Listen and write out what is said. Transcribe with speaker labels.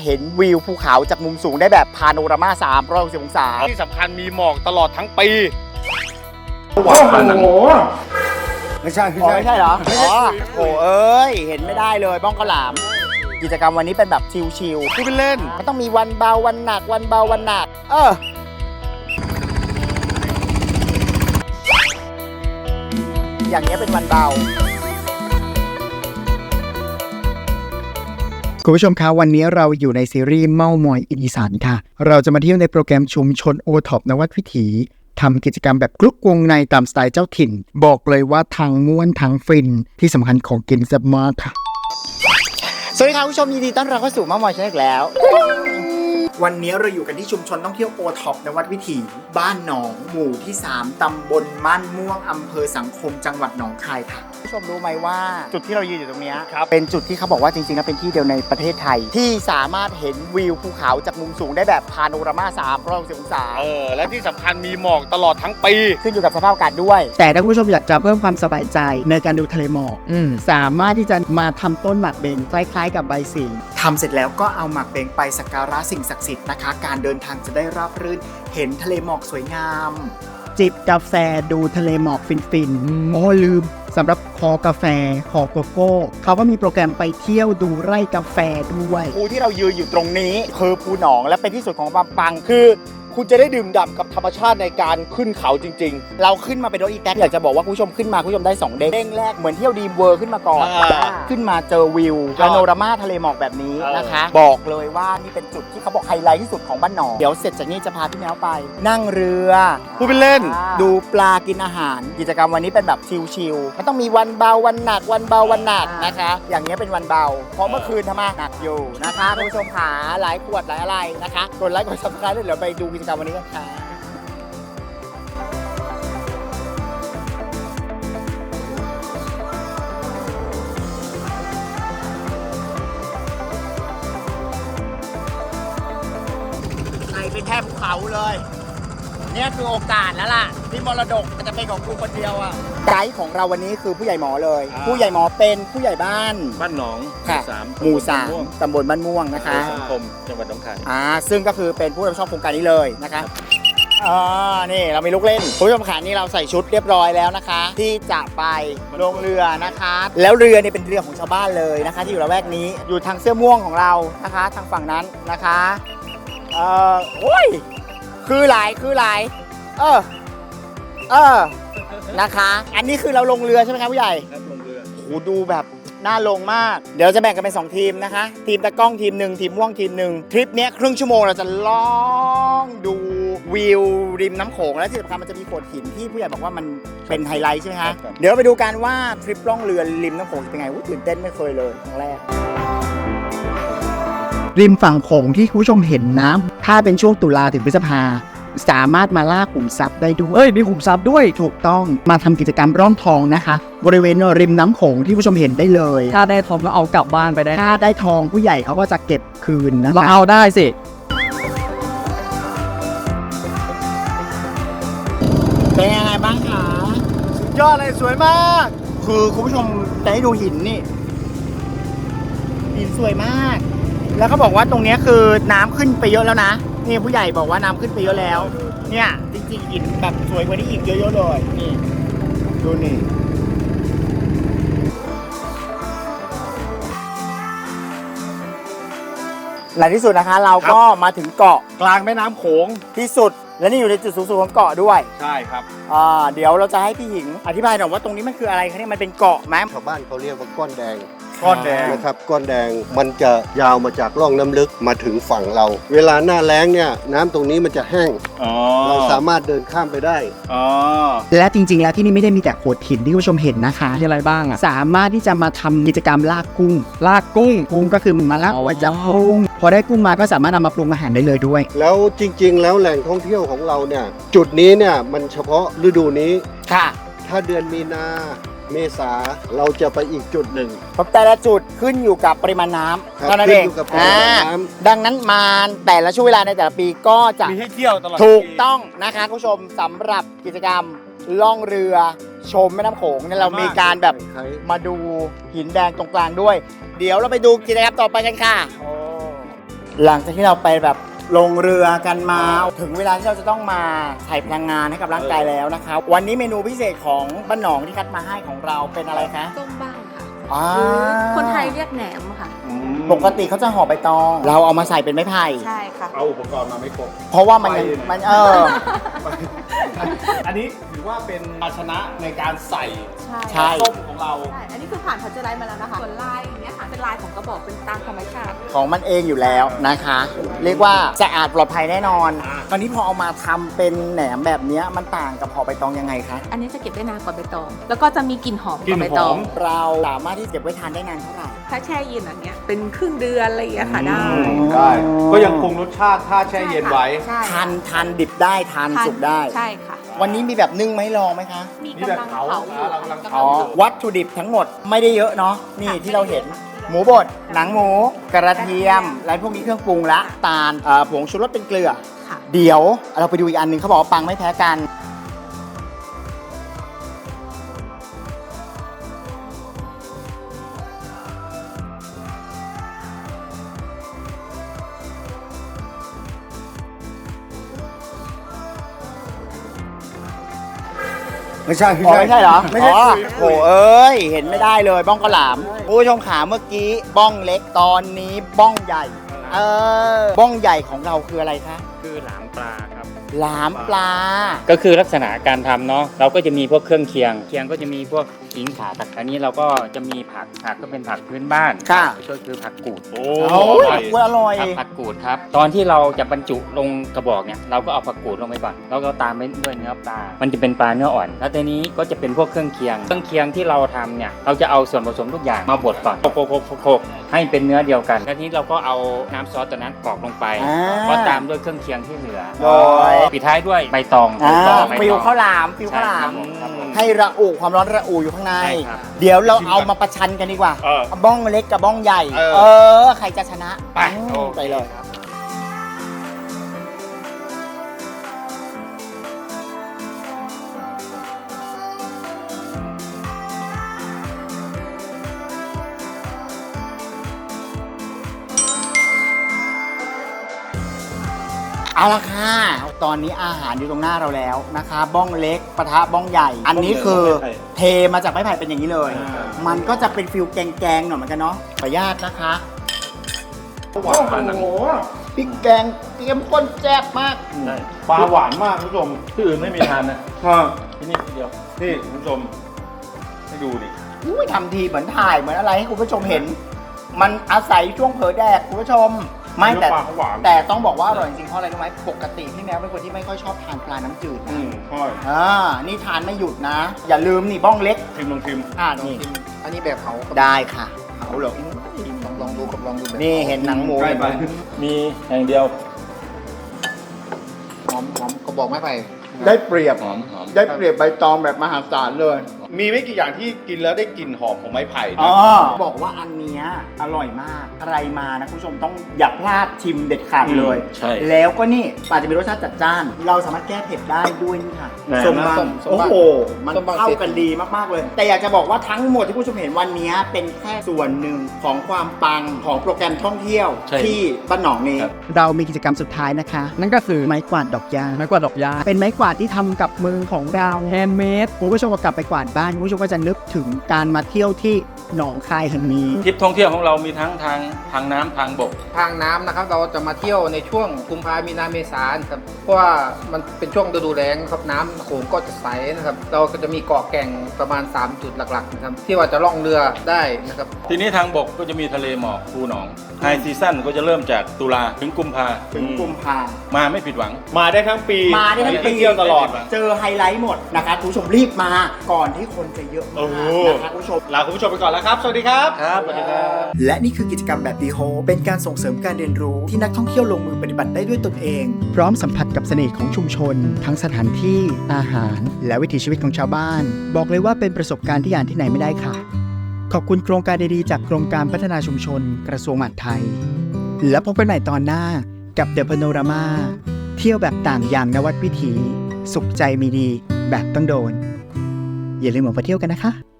Speaker 1: เห็นวิวภูเขาจากมุมสูงได้แบบพาโนรามา360องศา
Speaker 2: ที่สำคัญมีหมอกตลอดทั้งปี
Speaker 1: โอ้โหไม่ใช่เหรอโอ้เอ้ยเห็นไม่ได้เลยบ้องข้าวหลามกิจกรรมวันนี้เป็นแบบชิลๆ
Speaker 2: พูดเป็นเล่น
Speaker 1: มันต้องมีวันเบาวันหนักวันเบาวันหนักอย่างนี้เป็นวันเบาคุณผู้ชมคะวันนี้เราอยู่ในซีรีส์เม่ามอยอีสานค่ะเราจะมาเที่ยวในโปรแกรมชุมชนโอท็อปนวัดวิถีทำกิจกรรมแบบกรุ๊ปวงในตามสไตล์เจ้าถิ่นบอกเลยว่าทั้งม่วนทั้งฟินที่สำคัญของกินแซ่บมากค่ะสวัสดีค่ะผู้ชมยินดีต้อนรับเข้าสู่เม่ามอยชาแนลอีกแล้ววันนี้เราอยู่กันที่ชุมชนท่องเที่ยวโอท็อปนวัดวิถีบ้านหนองหมู่ที่3ตำบลม่านม่วงอำเภอสังคมจังหวัดหนองคายค่ะผู้ชมรู้ไหมว่าจุดที่เรายืนอยู่ตรงนี้เป็นจุดที่เขาบอกว่าจริงๆแล้วเป็นที่เดียวในประเทศไทยที่สามารถเห็นวิวภูเขาจากมุมสูงได้แบบพาโนรามา360องศา
Speaker 2: และที่สำคัญมีหมอกตลอดทั้งปี
Speaker 1: ขึ้นอยู่กับสภาพอากาศด้วยแต่ถ้าคุณผู้ชมอยากจะเพิ่มความสบายใจในการดูทะเลหมอกสามารถที่จะมาทำต้นหมากเบงคล้ายๆกับใบสิงทำเสร็จแล้วก็เอาหมากเบงไปสักการะสิ่งศักดิ์สิทธิ์นะคะการเดินทางจะได้ราบรื่นเห็นทะเลหมอกสวยงามจิบกาแฟดูทะเลหมอกฟินๆโอ้ลืมสำหรับคอกาแฟคอโกโก้เขาก็มีโปรแกรมไปเที่ยวดูไร่กาแฟด้วยภูที่เรายืนอยู่ตรงนี้คือภูหนองและเป็นที่สุดของบางปังคือคุณจะได้ดื่มด่ำกับธรรมชาติในการขึ้นเขาจริงๆเราขึ้นมาเป็นรถอีแท็กอยากจะบอกว่าผู้ชมขึ้นมาผู้ชมได้2เด้งแรกเหมือนเที่ยวดีมเวิร์ขึ้นมาก่อนขึ้นมาเจอวิวพาโนรามาทะเลหมอกแบบนี้นะคะบอกเลยว่านี่เป็นจุดที่เขาบอกไฮไลท์ที่สุดของบ้านหนองเดี๋ยวเสร็จจากนี้จะพาพี่แมวไปนั่งเรือ
Speaker 2: พูดเป็นเล่น
Speaker 1: ดูปลากินอาหารกิจกรรมวันนี้เป็นแบบชิลๆมันต้องมีวันเบาวันหนักวันเบาวันหนักนะคะอย่างนี้เป็นวันเบาเพราะเมื่อคืนทำมาหนักอยู่นะคะคุณผู้ชมขาหลายขวดหลายอะไรนะคะกดไลค์กดซับสไครป์ด้วยเดี๋ยวไปดูกิจกรรมวันนี้กันค่ะเป็นแทบภูเขาเลยเนี่ยคือโอกาสแล้วล่ะที่มรดกจะเป็นของกูคนเดียวอ่ะไกด์ของเราวันนี้คือผู้ใหญ่หมอเลยผู้ใหญ่หมอเป็นผู้ใหญ่บ้าน
Speaker 2: หนอง
Speaker 1: หมู่3ตำบลบ้านม่วงนะคะ
Speaker 2: สังคมจังหวัดหนองคาย
Speaker 1: ซึ่งก็คือเป็นผู้รับผิดชอบโครงการนี้เลยนะคะนี่เรามีลูกเล่นผู้ชมขานี่เราใส่ชุดเรียบร้อยแล้วนะคะที่จะไปลงเรือนะคะแล้วเรือนี่เป็นเรือของชาวบ้านเลยนะคะที่อยู่ละแวกนี้อยู่ทางเสื้อม่วงของเรานะคะทางฝั่งนั้นนะคะโอ้ยคือหลนะคะอันนี้คือเราลงเรือใช่ไหมครับผู้ใหญ่
Speaker 2: ครับลงเรือ
Speaker 1: โอ้ดูแบบน่าลงมากเดี๋ยวจะแบ่งกันเป็น2ทีมนะคะทีมตะกล้องทีมหนึ่งทีมม่วงทีมหนึ่งทริปนี้ครึ่งชั่วโมงเราจะล่องดูวิวริมน้ำโขงและที่สำคัญมันจะมีโขดหินที่ผู้ใหญ่บอกว่ามันเป็นไฮไลท์ใช่ไหมคะเดี๋ยวไปดูกันว่าทริปล่องเรือริมน้ำโขงเป็นไงตื่นเต้นไม่เคยเลยครั้งแรกริมฝั่งโขงที่คุณผู้ชมเห็นนะถ้าเป็นช่วงตุลาถึงพฤษภาสามารถมาล่าขุมทรัพย์ได้ด้วยมีขุมทรัพย์ด้วยถูกต้องมาทำกิจกรรมร่อนทองนะคะบริเวณริมน้ำโขงที่ผู้ชมเห็นได้เลย
Speaker 3: ถ้าได้ทองก็เอากลับบ้านไปได้
Speaker 1: ถ้าได้ทองผู้ใหญ่เขาก็จะเก็บคืนนะคะ
Speaker 3: เราเอาได้สิ
Speaker 1: เป็นยังไงบ้างคะ
Speaker 2: ยอดเลยสวยมาก
Speaker 1: คือคุณผู้ชมจะให้ดูหินนี่หินสวยมากแล้วเขาบอกว่าตรงนี้คือน้ำขึ้นไปเยอะแล้วนะนี่ผู้ใหญ่บอกว่าน้ำขึ้นไปเยอะแล้วเนี่ยจริงๆหินแบบสวยกว่านี้อีกเยอะๆเลยนี่ดูนี่หลังที่สุดนะคะเราก็มาถึงเกาะ
Speaker 2: กลางแม่น้ำโขง
Speaker 1: ที่สุดและนี่อยู่ในจุดสูงสุดของเกาะด้วย
Speaker 2: ใช่ครับ
Speaker 1: เดี๋ยวเราจะให้พี่หญิงอธิบายหน่อยว่าตรงนี้มันคืออะไรคะเนี่ยมันเป็นเกาะไหม
Speaker 4: ชาวบ้านเขาเรียกว่าก้อนแดง
Speaker 2: นะครับ
Speaker 4: ก้อนแดงมันจะยาวมาจากร่องน้ำลึกมาถึงฝั่งเราเวลาหน้าแล้งเนี่ยน้ำตรงนี้มันจะแห้งเราสามารถเดินข้ามไปได้
Speaker 1: และจริงๆแล้วที่นี่ไม่ได้มีแต่โขดหินที่คุณผู้ชมเห็นนะคะ
Speaker 3: ที่อะไรบ้าง
Speaker 1: สามารถที่จะมาทำกิจกรรมลากกุ้งก็คือมาลากจับกุ้งพอได้กุ้งมาก็สามารถนำมาปรุงอาหารได้เลยด้วย
Speaker 4: แล้วจริงๆแล้วแหล่งท่องเที่ยวของเราเนี่ยจุดนี้เนี่ยมันเฉพาะฤดูนี้
Speaker 1: ค่ะ
Speaker 4: ถ้าเดือนมีนาเมษาเราจะไปอีกจุดหนึ่ง
Speaker 1: แต่ละจุดขึ้นอยู่กับปริมาณน้ำเท่านั้นเองดังนั้นมาแต่ละช่วงเวลาในแต่ละปีก็จะ
Speaker 2: มีให้เที่ยวตลอด
Speaker 1: ถูกต้องนะคะคุณผู้ชมสำหรับกิจกรรมล่องเรือชมแม่น้ำโขงเนี่ยเรามีการแบบมาดูหินแดงตรงกลางด้วยเดี๋ยวเราไปดูกิจกรรมต่อไปกันค่ะหลังจากที่เราไปแบบลงเรือกันมาถึงเวลาที่เราจะต้องมาใส่พลังงานให้กับร่างกายแล้วนะคะวันนี้เมนูพิเศษของบ้านหนองที่คัดมาให้ของเราเป็นอะไรคะ
Speaker 5: ต้มบ้างค่ะ
Speaker 1: อ่า
Speaker 5: หรือคนไทยเรียกแหนมค่ะ
Speaker 1: ปกติเขาจะห่อใบตอง เราเอามาใส่เป็นไม้ไผ่
Speaker 5: ใช่ค่ะ
Speaker 2: เอาอุปกรณ์มาไม่ครบ
Speaker 1: เพราะว่ามันยังมัน
Speaker 2: อันนี้ถือว่าเป็นภาชนะในการใส่
Speaker 1: ใช่
Speaker 2: ต้มของเรา
Speaker 5: ใช่ อันนี้คือผ่านพัชไลท์มาแล้วนะคะ ส่วนลายอย่างเงี้ยค่ะ เป็นลายของกระบอกเป็นตามธรรมชาติ
Speaker 1: ของมันเองอยู่แล้วนะคะ เรียกว่าสะอาดปลอดภัยแน่นอน ตอนนี้พอเอามาทำเป็นแหนมแบบเนี้ยมันต่างกับห่อใบตองยังไงคะ
Speaker 5: อันนี้จะเก็บได้นานกว่าใบตอง แล้วก็จะมีกลิ่นหอมกว่าใบตอง
Speaker 1: เราสามารถที่จะเก็บไว้ทานได้นานเท่าไหร่
Speaker 5: ถ้าแช่เย็นอย่างเงี้ย เป็นครึ่งเดือนอะไรอย่างเงี้ยค่ะได้
Speaker 2: ได้ ก็ยังคงรสชาติถ้าแช่เย็นไว้
Speaker 5: ใช่
Speaker 1: ทานดิบได้ทานสุกได้
Speaker 5: ใช่ค่ะ
Speaker 1: วันนี้มีแบบนึ่งไหมลองไหมคะ
Speaker 5: มี
Speaker 2: นี่แบบ
Speaker 5: กำลัง
Speaker 2: เผา
Speaker 5: เผาอยู่
Speaker 2: เรากำลัง
Speaker 1: อ๋อ วัตถุดิบทั้งหมดไม่ได้เยอะเนาะ นี่ที่เราเห็น หมูบด หนังหมู กระเทียม อะไรพวกนี้เครื่องปรุงละตาลผงชูรสเป็นเกลือ
Speaker 5: ค่ะ
Speaker 1: เดี๋ยวเราไปดูอีกอันหนึ่งเขาบอกว่าปังไม่แพ้กัน
Speaker 2: ไม่ใช่
Speaker 1: อ๋อไม่ใช่เหรอ
Speaker 2: ไม่ใช่
Speaker 1: อ๋อ
Speaker 2: คุย
Speaker 1: โอ้เอ้ย เห็นไม่ได้เลยบ้องกระหลามผู้ชมขาเมื่อกี้บ้องเล็กตอนนี้บ้องใหญ่ บ้องใหญ่ของเราคืออะไรคะ
Speaker 6: คือหลามปลาครับ
Speaker 1: หลามปลา
Speaker 6: ก็คือลักษณะการทำเนาะเราก็จะมีพวกเครื่องเคียงก็จะมีพวกขิงข่าอันนี้เราก็จะมีผักก็เป็นผักพื้นบ้าน
Speaker 1: ค่ะ
Speaker 6: ก็คือผักกูด
Speaker 2: โอ้
Speaker 1: โอ้ยอร่อย
Speaker 6: ครับผักกูดครับตอนที่เราจะบรรจุลงกระบอกเนี่ยเราก็เอาผักกูดลงไปก่อนแล้วก็ตามไปด้วยเนื้อปลามันจะเป็นปลาเนื้ออ่อนแล้วทีนี้ก็จะเป็นพวกเครื่องเคียงที่เราทำเนี่ยเราจะเอาส่วนผสมทุกอย่างมาบดก่อนโขกให้เป็นเนื้อเดียวกันแล้วทีนี้เราก็เอาน้ำซอสตัวนั้นกรอกลงไป
Speaker 1: อ่า
Speaker 6: ก็ตามด้วยเครื่องเคียงที่เหลือ
Speaker 1: โดย
Speaker 6: ปิดท้ายด้วยใบตอง ใบตอง
Speaker 1: ฟิวข้าวหลามฟิวข้าวหลาม
Speaker 6: ครับผม
Speaker 1: ให้ระอุความร้อนระอุอยู่ข้างใน
Speaker 6: ใช่ครับ
Speaker 1: เดี๋ยวเราเอามาประชันกันดีกว่า บ้องเล็กกับบ้องใหญ่ ใครจะชนะ
Speaker 2: ไป
Speaker 1: ไปเลย เอาละค่ะ ตอนนี้อาหารอยู่ตรงหน้าเราแล้วนะคะ บ้องเล็กปะทะบ้องใหญ่ อันนี้คือเทมาจากไม้ไผ่เป็นอย่างนี้เลย มันก็จะเป็นฟิลแกงๆหน่อยเหมือนกันเนาะ ขออนุญาตนะคะ
Speaker 2: หวาน
Speaker 1: โอ้โหพริกแกงเตรียมข้นแซ่บมาก
Speaker 2: ปลาหวานมากคุณผู้ชม
Speaker 7: ที่อื่นไม่มีทานนะ ที่นี่ที่เดียว
Speaker 2: นี่คุณผู้ชม ให้ดูดิ
Speaker 1: อุ้ยทำทีเหมือนถ่ายเหมือนอะไรให้คุณผู้ชมเห็น มันอาศัยช่วงเผลอแดกคุณผู้ชม ไม่แต่
Speaker 2: เนื้อปลาเขาหวาน
Speaker 1: แต่ต้องบอกว่าอร่อยจริงๆเพราะอะไรรู้ไหมปกติพี่แมวเป็นคนที่ไม่ค่อยชอบทานปลาน้ำจืดนะ
Speaker 2: ใช่
Speaker 1: นี่ทานไม่หยุดนะ อย่าลืมนี่บ้องเล็ก
Speaker 2: ชิมลองชิม
Speaker 1: นี่
Speaker 8: อันนี้แบบเผา
Speaker 1: ได้ค่ะเอาเหรอ
Speaker 8: ลองดูกับลองดูแบบ
Speaker 1: นี่เห็นหนังหมู
Speaker 2: ใกล้ไป
Speaker 7: มีอย่างเดียว
Speaker 8: หอมก็บอกไม่ไป
Speaker 1: ได้เปรียบ
Speaker 7: หอม
Speaker 1: ได้เปรียบใบตองแบบมหาศาลเลย
Speaker 2: มีไม่กี่อย่างที่กินแล้วได้กลิ่นหอมของไม้ไผ่นะ
Speaker 1: บอกว่าอันเนี้ยอร่อยมากใครมานะคุณผู้ชมต้องอย่าพลาดชิมเด็ดขาดเลย
Speaker 7: ใช่
Speaker 1: แล้วก็นี่อาจจะมีรสชาติจัดจ้าน เราสามารถแก้เผ็ดได้ด้วยนี่ค่ะ
Speaker 7: แหม่
Speaker 1: ส้มบัง
Speaker 8: ส้มบัง
Speaker 1: โอ้โห มัน
Speaker 8: ส้มบัง
Speaker 1: เข้ากันดีมากๆเลย แต่อยากจะบอกว่าทั้งหมดที่ผู้ชมเห็นวันนี้เป็นแค่ส่วนหนึ่งของความปังของโปรแกรมท่องเที่ยว
Speaker 7: ใช่
Speaker 1: ที่บ้านหนองนี้
Speaker 7: ครับ
Speaker 1: เรามีกิจกรรมสุดท้ายนะคะ
Speaker 3: นั่นก็คือ
Speaker 1: ไม้กวาดดอกยาง
Speaker 3: ไม้กวาดดอกยา
Speaker 1: เป็นไม้กวาดที่ทำกับมือของเรา
Speaker 3: แฮนด์เมด
Speaker 1: คุณผู้ชมก็กลับไปกวาดบ้านคุณผู้ชมก็จะนึกถึงการมาเที่ยวที่หนองคายแห่งนี้
Speaker 7: ทริปท่องเที่ยวของเรามีทั้งทางน้ำทางบก
Speaker 8: ทางน้ำนะครับเราจะมาเที่ยวในช่วงกุมภามีนาเมษายนครับเพราะว่ามันเป็นช่วงฤดูแล้งครับน้ำโขงก็จะใสนะครับเราก็จะมีเกาะแก่งประมาณ 3 จุดหลักๆนะครับที่ว่าจะล่องเรือได้นะครับ
Speaker 7: ทีนี้ทางบกก็จะมีทะเลหมอกภูหนองไฮซีซั่นก็จะเริ่มจากตุลาถึงกุมภา
Speaker 1: ถึงกุมภา
Speaker 7: มาไม่ผิดหวัง
Speaker 2: มาได้ทั้งปี
Speaker 1: มาได้ทั้งปี
Speaker 2: เที่ยวตลอด
Speaker 1: เจอไฮไลท์หมดนะคะคุณผู้ชมรีบมาก่อนที่คนจะเยอะมากนะคะคุณผู้ชม
Speaker 2: ลาคุณผู้ชมไปก่อนแล้วครับ สวัสดีครับ
Speaker 7: ครับสวัสดีครับ
Speaker 1: และนี่คือกิจกรรมแบบดีโฮเป็นการส่งเสริมการเรียนรู้ที่นักท่องเที่ยวลงมือปฏิบัติได้ด้วยตนเอง พร้อมสัมผัสกับเสน่ห์ของชุมชน ทั้งสถานที่อาหาร และวิถีชีวิตของชาวบ้าน บอกเลยว่าเป็นประสบการณ์ที่อ่านที่ไหนไม่ได้ค่ะ ขอบคุณโครงการดีๆจากกรมการพัฒนาชุมชน กระทรวงมหาดไทย แล้วพบกันใหม่ตอนหน้ากับ The Panorama เที่ยวแบบต่างอย่างนวัดวิถี สุขใจมีดีแบบต้องโดน อย่าลืมออกมาเที่ยวกันนะคะ